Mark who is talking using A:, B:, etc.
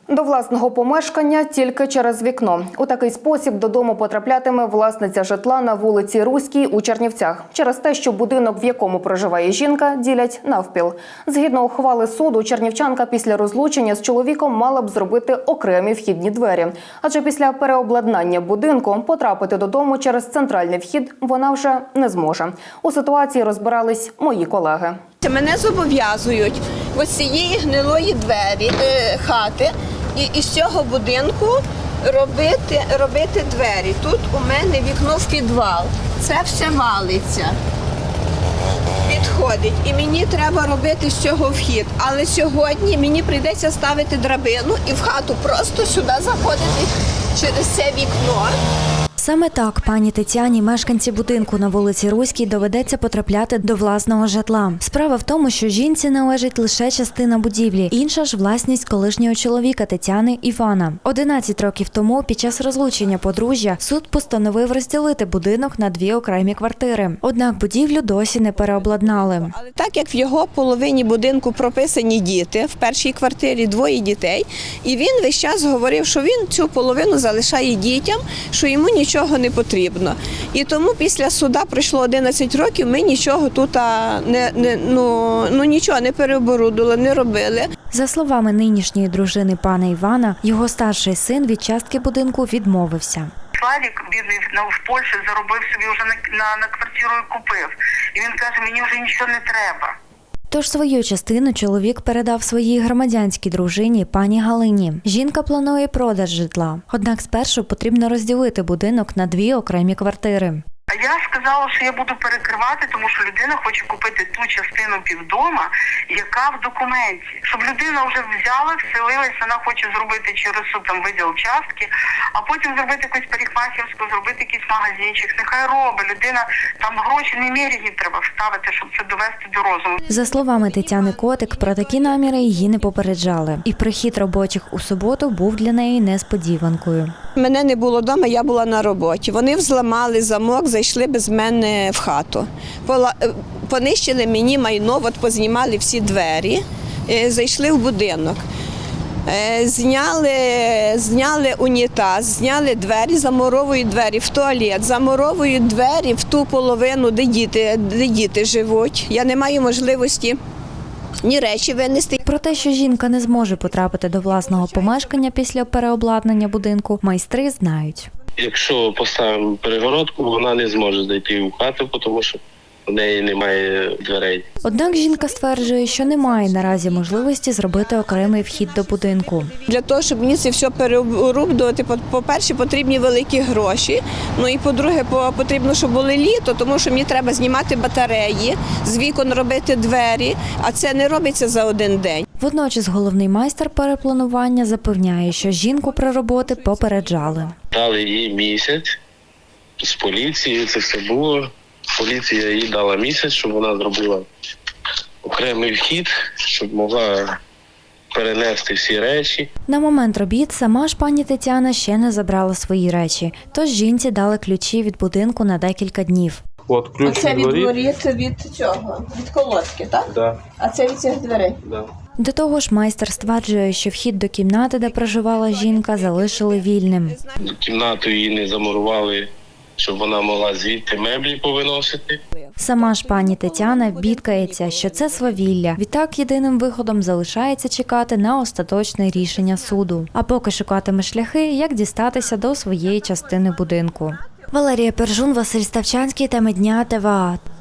A: До власного помешкання тільки через вікно. У такий спосіб додому потраплятиме власниця житла на вулиці Руській у Чернівцях. Через те, що будинок, в якому проживає жінка, ділять навпіл. Згідно ухвали суду, чернівчанка після розлучення з чоловіком мала б зробити окремі вхідні двері. Адже після переобладнання будинку потрапити додому через центральний вхід вона вже не зможе. У ситуації розбирались мої колеги.
B: Мене зобов'язують ось цієї гнилої двері, хати і з цього будинку робити двері. Тут у мене вікно в підвал. Це все валиться, підходить. І мені треба робити з цього вхід. Але сьогодні мені прийдеться ставити драбину і в хату просто сюди заходити через це вікно.
C: Саме так пані Тетяні, мешканці будинку на вулиці Руській, доведеться потрапляти до власного житла. Справа в тому, що жінці належить лише частина будівлі, інша ж власність колишнього чоловіка Тетяни Івана. 11 років тому, під час розлучення подружжя, суд постановив розділити будинок на 2 окремі квартири. Однак будівлю досі не переобладнали.
B: Але так як в його половині будинку прописані діти, в першій квартирі 2 дітей, і він весь час говорив, що він цю половину залишає дітям, що йому нічого не потрібно. І тому після суда пройшло 11 років, ми нічого тут нічого не переоборудували, не робили.
C: За словами нинішньої дружини пана Івана, його старший син від частки будинку відмовився.
D: Славік, бідний, в Польщі заробив собі вже на квартиру і купив. І він каже, мені вже нічого не треба.
C: Тож свою частину чоловік передав своїй громадянській дружині пані Галині. Жінка планує продаж житла. Однак спершу потрібно розділити будинок на 2 окремі квартири.
D: Я сказала, що я буду перекривати, тому що людина хоче купити ту частину півдома, яка в документі. Щоб людина вже взяла, вселилась, вона хоче зробити через суд там виділ частки, а потім зробити якусь парикмахерську, зробити якийсь магазинчик. Нехай робить. Людина, там гроші неміряні треба вставити, щоб це довести до розуму.
C: За словами Тетяни Котик, про такі наміри її не попереджали. І прихід робочих у суботу був для неї несподіванкою.
B: Мене не було вдома, я була на роботі. Вони взламали замок, зайшли без мене в хату. Понищили мені майно, познімали всі двері, зайшли в будинок. Зняли унітаз, зняли двері, замуровують двері в туалет, замуровують двері в ту половину, де діти живуть. Я не маю можливості ні речі винести.
C: Про те, що жінка не зможе потрапити до власного помешкання після переобладнання будинку, майстри знають.
E: Якщо поставимо перегородку, вона не зможе зайти в хату, тому що в неї немає дверей.
C: Однак жінка стверджує, що немає наразі можливості зробити окремий вхід до будинку.
B: Для того, щоб мені це все переоборудувати, по-перше, потрібні великі гроші. Ну і по-друге, потрібно, щоб було літо, тому що мені треба знімати батареї, з вікон робити двері, а це не робиться за один день.
C: Водночас головний майстер перепланування запевняє, що жінку про роботи попереджали.
E: Дали їй місяць з поліцією, це все було. Поліція їй дала місяць, щоб вона зробила окремий вхід, щоб могла перенести всі речі.
C: На момент робіт сама ж пані Тетяна ще не забрала свої речі, тож жінці дали ключі від будинку на декілька днів.
E: От ключ
B: це від воріт, від колодки, так?
E: Да.
B: А це від цих дверей?
E: Да.
C: До того ж, майстер стверджує, що вхід до кімнати, де проживала жінка, залишили вільним.
E: Кімнату її не замурували, щоб вона могла звідти меблі повиносити.
C: Сама ж пані Тетяна бідкається, що це свавілля. Відтак єдиним виходом залишається чекати на остаточне рішення суду. А поки шукатиме шляхи, як дістатися до своєї частини будинку. Валерія Пержун, Василь Ставчанський, теми дня ТВА.